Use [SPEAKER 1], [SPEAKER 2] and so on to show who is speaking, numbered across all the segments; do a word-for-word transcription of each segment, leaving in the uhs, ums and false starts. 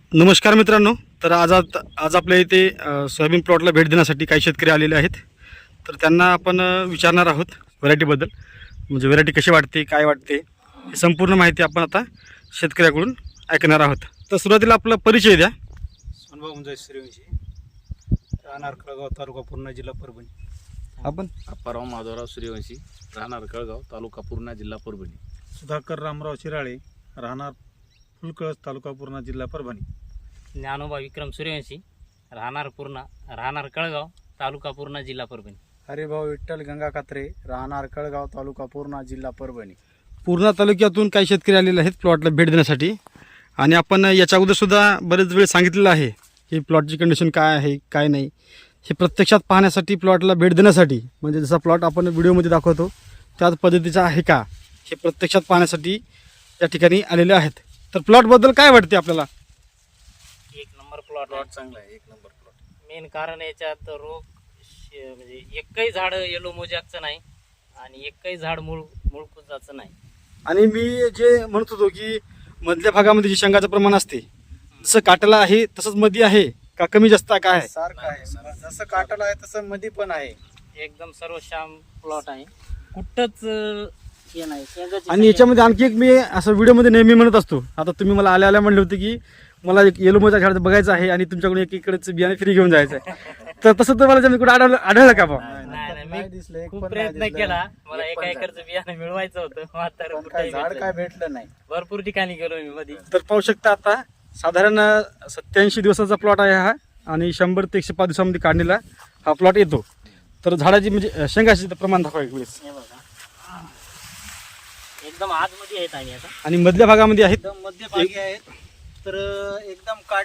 [SPEAKER 1] नमस्कार मित्रांनो. तर आज आत- आज आपल्या इथे अ, सोयाबीन प्लॉटला भेट देण्यासाठी काही शेतकरी आलेले आहेत. तर त्यांना आपण अ, विचारणार आहोत व्हरायटीबद्दल, म्हणजे व्हरायटी कशी वाटते, काय वाटते, ही संपूर्ण माहिती आपण आता शेतकऱ्याकडून ऐकणार आहोत. तर सुरुवातीला आपला परिचय द्या.
[SPEAKER 2] सोनभाऊ मुंजाई सूर्यवंशी, राहणार कळगाव, तालुका पूर्णा, जिल्हा परभणी.
[SPEAKER 1] आपण
[SPEAKER 3] अप्पाराव माधवराव सूर्यवंशी, राहणार कळगाव, तालुका पूर्णा, जिल्हा परभणी.
[SPEAKER 2] सुधाकर रामराव शिराळे, राहणार फुलकळस, तालुका पूर्णा, जिल्हा परभणी.
[SPEAKER 4] ज्ञानोबा विक्रम सूर्यवंशी, राहणार पूर्णा, राहणार कळगाव, तालुका पूर्णा, जिल्हा परभणी.
[SPEAKER 5] हरिभाऊ विठ्ठल गंगा कात्रे, राहणार कळगाव, तालुका पूर्णा, जिल्हा परभणी.
[SPEAKER 1] पूर्णा तालुक्यातून काही शेतकरी आलेले आहेत प्लॉटला भेट देण्यासाठी. आणि आपण याच्या अगोदर सुद्धा बरेच वेळ सांगितलेलं आहे की प्लॉटची कंडिशन काय आहे, काय नाही, हे प्रत्यक्षात पाहण्यासाठी, प्लॉटला भेट देण्यासाठी, म्हणजे जसा प्लॉट आपण व्हिडिओमध्ये दाखवतो त्याच पद्धतीचा आहे का, हे प्रत्यक्षात पाहण्यासाठी या ठिकाणी आलेले आहेत. तर प्लॉटबद्दल काय वाटते आपल्याला?
[SPEAKER 4] एक नंबर प्लॉट
[SPEAKER 3] प्लॉट चांगला आहे, एक नंबर प्लॉट.
[SPEAKER 4] मेन कारण याच्यात रोग श- म्हणजे एकही झाड येलो मोजॅकचं नाही आणि एकही झाड मूळ मूळकुजाचं नाही.
[SPEAKER 1] आणि मी जे म्हणत होतो की मधल्या भागामध्ये जे शेंगाचं प्रमाण असते जसं काटाला आहे तसंच मध्ये आहे का, कमी जास्त काय आहे?
[SPEAKER 5] सारखं आहे, जसं काटाला आहे तसं मध्ये पण आहे.
[SPEAKER 4] एकदम सर्वश्याम प्लॉट आहे, कुठंच अं, हे नाही शेंगाची
[SPEAKER 1] आणि याच्यामध्ये आणखी एक मी असं व्हिडिओमध्ये नेहमी म्हणत असतो, आता तुम्ही मला आल्या आल्या म्हणले होते की मला एक येलो मोजा झाड बघायचं आहे आणि तुमच्याकडून एक इकडेच बियाणे फ्री घेऊन जायचं आहे. तर तसं तर मला जमीन कुठं आढळलं आढळलं का बा?
[SPEAKER 4] नाही नाही
[SPEAKER 5] नाही
[SPEAKER 4] मी
[SPEAKER 5] दिसलं, एक
[SPEAKER 4] खूप
[SPEAKER 5] पण नाही
[SPEAKER 4] प्रयत्न
[SPEAKER 5] दिसलं.
[SPEAKER 4] केला, मला
[SPEAKER 5] एक
[SPEAKER 4] एका
[SPEAKER 5] पण
[SPEAKER 4] एकरचं बियाणं मिळवायचं होतं, मात्र
[SPEAKER 5] पण
[SPEAKER 4] कुठंही
[SPEAKER 5] काय झाड
[SPEAKER 4] भेटलं
[SPEAKER 5] काय
[SPEAKER 4] नाही.
[SPEAKER 5] भेटलं नाही.
[SPEAKER 4] भरपूर ठिकाणी गेलो मी मध्ये.
[SPEAKER 1] तर पाहू शकता आता साधारण सत्याऐंशी दिवसाचा प्लॉट आहे हा आणि शंभर ते एकशे पाच दिवसामध्ये काढलेला हा प्लॉट येतो. तर झाडाची म्हणजे शेंगाची प्रमाण दाखवा एक वेळेस.
[SPEAKER 4] हे बघा एकदम आतमध्ये आहेत आणि आता
[SPEAKER 1] आणि मधल्या भागामध्ये आहेत
[SPEAKER 5] एकदम मध्यभागी आहेत, तर एकदम काट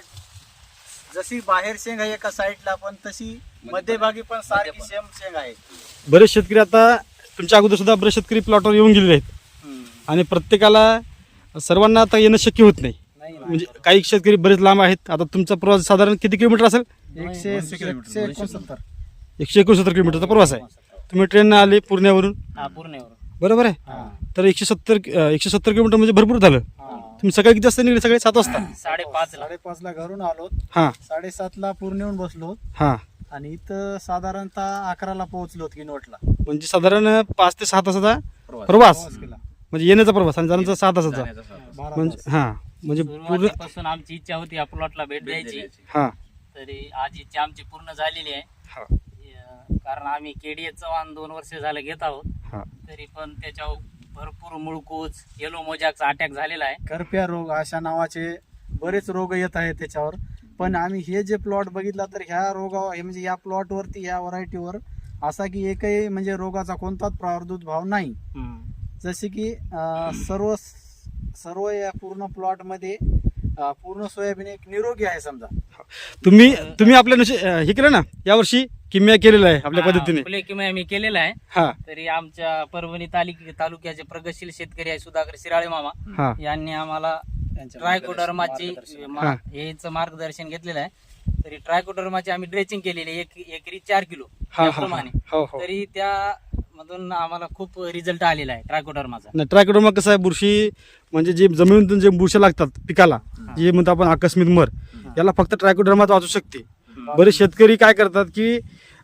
[SPEAKER 5] जशी बाहेर शेंग आहे एका साईडला, पण तशी मध्यभागी पण सारखी सेम शेंग आहे.
[SPEAKER 1] बरेच शेतकरी आता तुमच्या अगोदर सुद्धा बरेच शेतकरी प्लॉटवर येऊन गेलेले आहेत आणि प्रत्येकाला सर्वांना आता येणं शक्य होत नाही.
[SPEAKER 5] नाही ना.
[SPEAKER 1] म्हणजे काही शेतकरी बरेच लांब आहेत. आता तुमचा प्रवास साधारण किती किलोमीटर असेल?
[SPEAKER 5] एकशे एकशे एकोणसत्तर.
[SPEAKER 1] एकशे एकोणसत्तर किलोमीटरचा प्रवास आहे. तुम्ही ट्रेननं आले पुण्यावरून,
[SPEAKER 4] हा पूर्ण एवढं.
[SPEAKER 1] बरोबर आहे?
[SPEAKER 5] हा.
[SPEAKER 1] तर एकशे सत्तर एकशे सत्तर किलोमीटर म्हणजे भरपूर झालं.
[SPEAKER 5] हा.
[SPEAKER 1] तुम्ही सकाळी किती वाजता निघले? सकाळी सात वाजता.
[SPEAKER 4] साडेपाच ला
[SPEAKER 5] साडेपाच ला घरून आलो,
[SPEAKER 1] हां
[SPEAKER 5] साडेसात ला पूर्ण येऊन बसलो
[SPEAKER 1] हां
[SPEAKER 5] आणि इथं साधारणतः अकराला पोहोचलो किनवटला.
[SPEAKER 1] म्हणजे साधारण पाच ते सहा तासाचा
[SPEAKER 3] प्रवास.
[SPEAKER 1] प्रवास,
[SPEAKER 5] प्रवास केला.
[SPEAKER 1] म्हणजे येण्याचा प्रवास आणि जाण्याचा सहा तासाचा.
[SPEAKER 3] जाण्याचा प्रवास.
[SPEAKER 5] बारा
[SPEAKER 1] म्हणजे
[SPEAKER 5] तास.
[SPEAKER 1] हां म्हणजे पूर्ण
[SPEAKER 4] सुरुवातीपासून आमची इच्छा होती या प्लॉटला भेट द्यायची,
[SPEAKER 1] हां
[SPEAKER 4] तरी आज इच्छा आमची पूर्ण झालेली आहे.
[SPEAKER 1] हां
[SPEAKER 4] अं, कारण आम्ही केडीए चव्हाण दोन वर्ष झालं घेत आहोत,
[SPEAKER 1] हां
[SPEAKER 4] तरी पण त्याच्यावर भरपूर मुळकूज, येलो मोजॅकचा अटॅक झालेला आहे.
[SPEAKER 5] करप्या रोग अशा नावाचे बरेच रोग येत आहेत त्याच्यावर. पण आम्ही हे जे प्लॉट बघितला तर ह्या रोगावर, हे म्हणजे या प्लॉटवरती, ह्या व्हरायटीवर असा की एकही म्हणजे रोगाचा कोणताच प्रादुर्भाव नाही. जसे की अं, सर्व सर्व या पूर्ण प्लॉटमध्ये अं, पूर्ण सोयाबीन एक निरोगी आहे समजा.
[SPEAKER 1] तुम्ही तुम्ही आपल्या नुशी हे केलं ना यावर्षी किम्या केलेलं आहे आपल्या पद्धतीने.
[SPEAKER 4] फुले किमया आम्ही केलेला आहे.
[SPEAKER 1] हां
[SPEAKER 4] तरी आमच्या परभणी तालुक तालुक्याचे प्रगतशील शेतकरी आहे सुधाकर शिराळे मामा,
[SPEAKER 1] हां
[SPEAKER 4] यांनी आम्हाला
[SPEAKER 5] त्यांच्या
[SPEAKER 4] ट्रायकोडर्माची
[SPEAKER 5] मार्गदर्शन.
[SPEAKER 4] मा-
[SPEAKER 1] हां.
[SPEAKER 4] हेच मार्गदर्शन घेतलेलं आहे. तरी ट्रायकोडर्माची आम्ही ड्रेचिंग केलेली आहे, एक एकरी चार किलो
[SPEAKER 1] हां हां
[SPEAKER 4] त्याप्रमाणे.
[SPEAKER 1] हो हो.
[SPEAKER 4] तरी त्या मधून आम्हाला खूप रिझल्ट आलेला आहे ट्रायकोडर्माचा.
[SPEAKER 1] नाही, ट्रायकोडर्मा कसं आहे, बुरशी म्हणजे जे जमिनीतून जे बुरशी लागतात पिकाला, जे म्हणतो आपण आकस्मिक मर, याला फक्त ट्रायकोडर्माच वाचू शकते. बरेच शेतकरी काय करतात की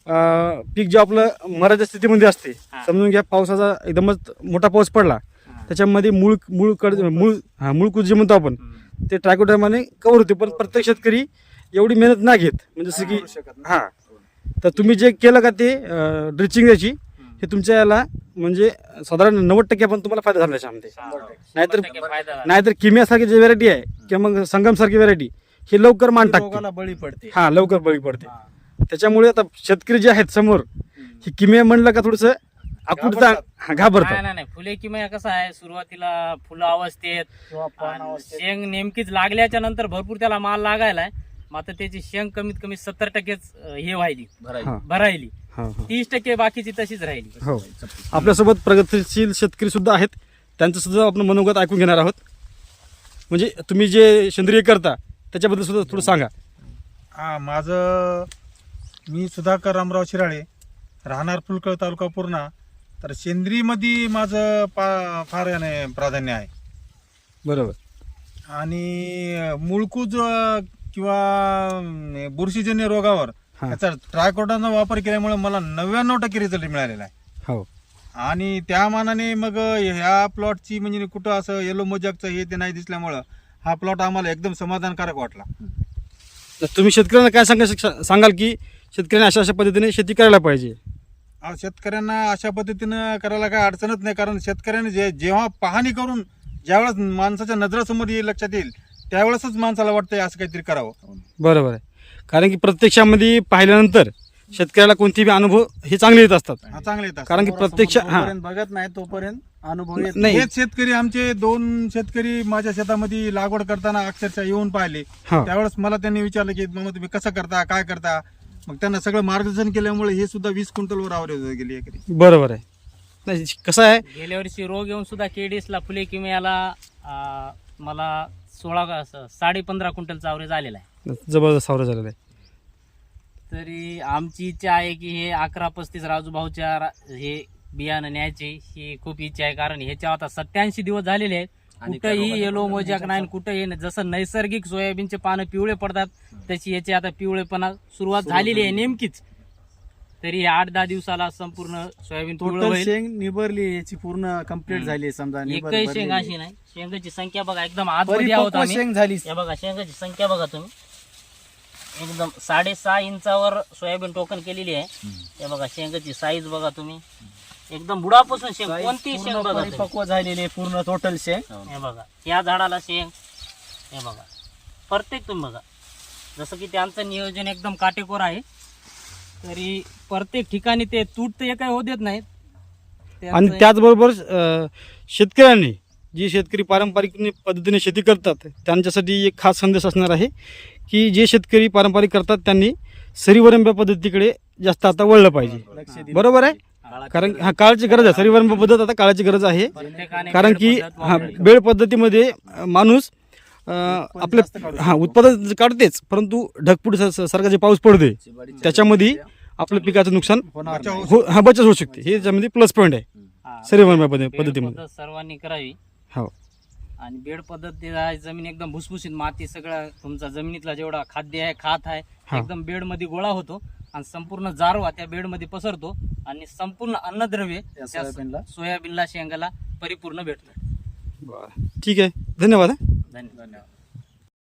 [SPEAKER 1] अं, पीक जे आपलं मराच्या स्थितीमध्ये असते,
[SPEAKER 4] हा.
[SPEAKER 1] समजून घ्या पावसाचा एकदमच मोठा पाऊस पडला, त्याच्यामध्ये मूळ मूळ कड मूळ हा मूळकूज जे म्हणतो आपण, ते ट्रायकोडर्माने कव्हर होते. पण प्रत्येक शेतकरी एवढी मेहनत नाही घेत. म्हणजे जसं की
[SPEAKER 5] करू शकत नाही.
[SPEAKER 1] हां, तर तुम्ही जे केलं का ते ड्रिचिंग द्यायची, हे तुमच्या याला म्हणजे साधारण नव्वद टक्के पण तुम्हाला फायदा झाला त्याच्यामध्ये. नाहीतर
[SPEAKER 4] शंभर टक्के फायदा झाला.
[SPEAKER 1] नाहीतर किम्यासारखी जी व्हरायटी आहे किंवा मग संगमसारखी व्हरायटी, ही लवकर मान
[SPEAKER 5] ती
[SPEAKER 1] टाकते.
[SPEAKER 5] रोगाला बळी पडते.
[SPEAKER 1] हा लवकर बळी पडते.
[SPEAKER 5] हा.
[SPEAKER 1] त्याच्यामुळे आता शेतकरी जे आहेत समोर, ही किम्या म्हणलं का थोडस आकुटता
[SPEAKER 5] घाबरतात.
[SPEAKER 1] घाबरतात.
[SPEAKER 4] नाही नाही नाही, फुले किमया कसं आहे, सुरुवातीला फुलं अवस्थेत
[SPEAKER 5] किंवा पान
[SPEAKER 4] आणि
[SPEAKER 5] अवस्थेत.
[SPEAKER 4] शेंग नेमकीच लागल्याच्या नंतर भरपूर त्याला माल लागायला आहे, मात्र त्याची शेंग कमीत कमी सत्तर टक्केच अं, हे व्हायली,
[SPEAKER 3] भरायची.
[SPEAKER 1] हा.
[SPEAKER 4] भरायली.
[SPEAKER 1] हा, हा.
[SPEAKER 4] तीस टक्के बाकीची तशीच राहिली.
[SPEAKER 1] हो, आपल्यासोबत प्रगतशील शेतकरी सुद्धा आहेत, त्यांचं सुद्धा आपण मनोगत ऐकून घेणार आहोत. म्हणजे तुम्ही जे सेंद्रिय करता त्याच्याबद्दल सुद्धा थोडं सांगा.
[SPEAKER 2] हा, माझं मी सुधाकर रामराव शिराळे, राहणार फुलकळ, तालुका पूर्णा. तर सेंद्रियमध्ये माझं पा फार याने प्राधान्य आहे.
[SPEAKER 1] बरोबर.
[SPEAKER 2] आणि मुळकूज अं, किंवा अं, बुरशीजन्य रोगावर
[SPEAKER 1] हा.
[SPEAKER 2] त्याचा ट्रायकोडाचा वापर केल्यामुळे मला नव्याण्णव टक्के रिझल्ट मिळालेला आहे.
[SPEAKER 1] हो
[SPEAKER 2] आणि त्या मानाने मग ह्या प्लॉटची म्हणजे कुठं असं येलो मोजॅकचं हे ते नाही दिसल्यामुळं हा प्लॉट आम्हाला एकदम समाधानकारक वाटला.
[SPEAKER 1] तर तुम्ही शेतकऱ्यांना काय सांगा सांगाल की शेतकऱ्यांनी अशा अशा पद्धतीने शेती करायला पाहिजे?
[SPEAKER 2] अहो, शेतकऱ्यांना अशा पद्धतीनं करायला काय अडचणच नाही, कारण शेतकऱ्याने जे जेव्हा पाहणी करून ज्यावेळेस माणसाच्या नजरासमोर येईल लक्षात येईल त्यावेळेसच माणसाला वाटतंय असं काहीतरी करावं.
[SPEAKER 1] बरोबर आहे, कारण की प्रत्यक्षामध्ये पाहिल्यानंतर शेतकऱ्याला कोणतेही अनुभव हे चांगले येत असतात.
[SPEAKER 2] हा, चांगले येतात.
[SPEAKER 1] कारण की प्रत्यक्ष हा
[SPEAKER 5] जोपर्यंत बघत नाही तोपर्यंत अनुभव येत
[SPEAKER 1] नाही.
[SPEAKER 2] हेच शेतकरी आमचे दोन शेतकरी माझ्या शेतामध्ये लागवड करताना अक्षरशः येऊन पाहिले.
[SPEAKER 1] हा
[SPEAKER 2] त्यावेळेस मला त्यांनी विचारलं की मामा तुम्ही कसं करता काय करता, मग त्यांना सगळं मार्गदर्शन केल्यामुळे हे सुद्धा वीस क्विंटलवर आवरेज गेली एकरी.
[SPEAKER 1] बरोबर आहे. नाही कसं आहे,
[SPEAKER 4] गेल्या वर्षी रोग येऊन सुद्धा केडीएसला फुले किमयाला अं, मला सोळा असं साडे पंधरा क्विंटलचा ॲव्हरेज आलेला आहे.
[SPEAKER 1] जबरदस्त सावरा झालेला आहे.
[SPEAKER 4] तरी आमची इच्छा आहे की हे अकरा पस्तीस राजूभाऊच्या रा- हे बियाणं न्यायचे ही खूप इच्छा आहे, कारण ह्याच्या आता सत्याऐंशी दिवस झालेले आहेत. कुठंही येलो मोजॅक नाही, कुठंही नाही. जसं नैसर्गिक सोयाबीनचे पानं पिवळे पडतात तशी याची आता पिवळेपणा सुरुवात झालेली आहे नेमकीच. तरी आठ दहा दिवसाला संपूर्ण सोयाबीन पिवळं
[SPEAKER 5] टोटल
[SPEAKER 4] होईल.
[SPEAKER 5] शेंग निबरली याची पूर्ण कम्प्लीट झाली आहे समजा निबर
[SPEAKER 4] एकही शेंग
[SPEAKER 5] भरलेली.
[SPEAKER 4] अशी नाही. शेंगाची संख्या बघा एकदम आतमध्ये आहोत
[SPEAKER 5] परिपक्व
[SPEAKER 4] आम्ही.
[SPEAKER 5] शेंग झाली.
[SPEAKER 4] हे बघा शेंगाची संख्या बघा तुम्ही, एकदम साडेसहा इंचावर सोयाबीन टोकन केलेली आहे. हे बघा शेंगाची साईज बघा तुम्ही, एकदम बुडापासून शेंग कोणती शेंग
[SPEAKER 5] पूर्ण
[SPEAKER 4] बघा तुम्ही.
[SPEAKER 5] परिपक्व झालेली आहे पूर्ण टोटल शेंग.
[SPEAKER 4] हे बघा या झाडाला शेंग, हे बघा प्रत्येक तुम्ही बघा, जसं की त्यांचं नियोजन एकदम काटेकोर आहे. तरी प्रत्येक ठिकाणी ते तूट तर काही होत देत नाहीत.
[SPEAKER 1] आणि
[SPEAKER 4] त्यांचं-
[SPEAKER 1] त्याचबरोबर अं, शेतकऱ्यांनी जे शेतकरी पारंपरिक पद्धतीने शेती करतात त्यांच्यासाठी एक खास संदेश असणार आहे की जे शेतकरी पारंपरिक करतात त्यांनी सरीवरंब्या पद्धतीकडे जास्त आता वळलं पाहिजे.
[SPEAKER 5] लक्ष दिलं
[SPEAKER 1] बरोबर आहे, कारण हा काळाची गरज आहे. सरीवरंब्या पद्धत आता काळाची गरज आहे,
[SPEAKER 4] प्रत्येकाने
[SPEAKER 1] कारण की
[SPEAKER 4] बेड पद्धत
[SPEAKER 1] हा
[SPEAKER 4] वापरावी.
[SPEAKER 1] बेळ पद्धतीमध्ये अं, माणूस अं, आपले हा उत्पादन काढतेच, परंतु ढगफुट स- सारखा जे पाऊस पडते त्याच्यामध्ये आपल्या पिकाचं नुकसान
[SPEAKER 5] होणार
[SPEAKER 2] बचाव
[SPEAKER 5] नाही.
[SPEAKER 1] हो हा बचत होऊ शकते. हे त्याच्यामध्ये प्लस पॉईंट आहे
[SPEAKER 4] हा.
[SPEAKER 1] सरीवरंब्या
[SPEAKER 4] बेड
[SPEAKER 1] पद्धतीमध्ये.
[SPEAKER 4] पद्धत सर्वांनी करावी.
[SPEAKER 1] हो
[SPEAKER 4] आणि बेड पद्धती आहे, जमीन एकदम भुसभुशीत माती सगळं तुमचा जमिनीतला जेवढा खाद्य आहे खात आहे
[SPEAKER 1] हा.
[SPEAKER 4] एकदम बेड मध्ये गोळा होतो आणि संपूर्ण जारवा त्या बेड मध्ये पसरतो आणि संपूर्ण अन्नद्रव्य
[SPEAKER 5] त्या
[SPEAKER 4] त्या
[SPEAKER 5] सोयाबीनला
[SPEAKER 4] सोयाबीनला शेंगाला परिपूर्ण भेटतं.
[SPEAKER 1] बरं ठीक आहे, धन्यवाद.
[SPEAKER 4] धन्यवाद.